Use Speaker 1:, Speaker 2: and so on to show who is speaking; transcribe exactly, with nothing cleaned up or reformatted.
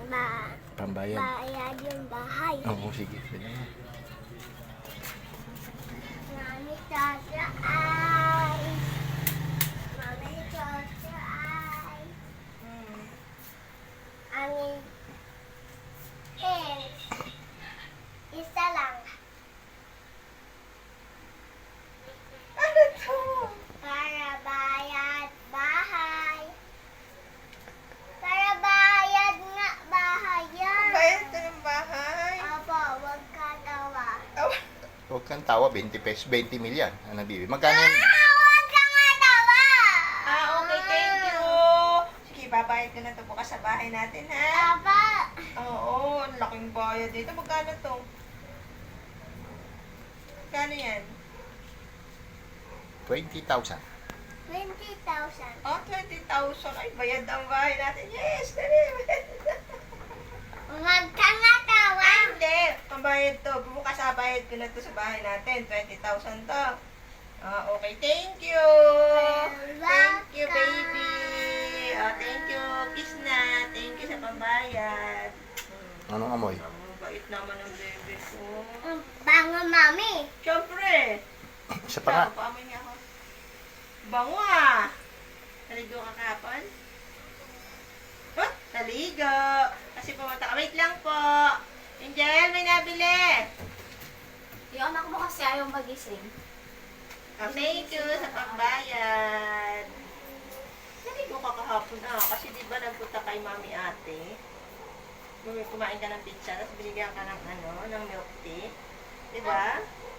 Speaker 1: ba,
Speaker 2: Pambayad.
Speaker 1: bayad yung bahay.
Speaker 2: Oo, sige. Sige na.
Speaker 1: Mami, Chacha, ay. Mami, Chacha, ay.
Speaker 3: Hmm.
Speaker 1: Amin, eh, isa lang.
Speaker 3: Ano to?
Speaker 1: Para bayad bahay. Para bayad nga bahay yan.
Speaker 3: Bayad ka ng bahay.
Speaker 1: Opo, wag ka tawa.
Speaker 3: Oh,
Speaker 2: Huwag kang tawa, twenty pesos, twenty milyan. Ano, bibi? Magkano yun?
Speaker 1: Ah, wag ka nga tawa!
Speaker 3: ah, okay, thank you. Sige, babayad ka na to bukas sa bahay natin, ha?
Speaker 1: Papa,
Speaker 3: Oo, ang laking bayad dito. Magkano to? Magkano yan?
Speaker 2: twenty thousand.
Speaker 1: twenty thousand.
Speaker 3: Oh, twenty thousand. Ay, bayad ang bahay natin. Yes, dali.
Speaker 1: Wag ka nga tawa.
Speaker 3: Ay, hindi. Pambayad to. Bukas sa bayad ko na to sa bahay natin. twenty thousand to. Ah, okay. Thank you. Thank you, baby. Oh, thank you. Kiss na. Thank you sa pambayad.
Speaker 2: Anong amoy?
Speaker 3: Ang bait naman ng baby ko.
Speaker 1: Ang bango, mami.
Speaker 3: Siyempre.
Speaker 2: Isa pa nga.
Speaker 3: Ikaw, paamoy niya ako. Bango ah. Naligo ka kahapon? Huh? Naligo. Kasi pumunta ka. Wait lang po. Angel, may nabili.
Speaker 4: Yung anak mo kasi ayaw magising.
Speaker 3: Oh, thank you sa pagbayad. Naligo ka kahapon ah. Kasi di ba nagpunta kay mami ate? Bumi- Kumain ka ng pizza, tapos binigyan ka ng ano, ng milk tea. Di ba?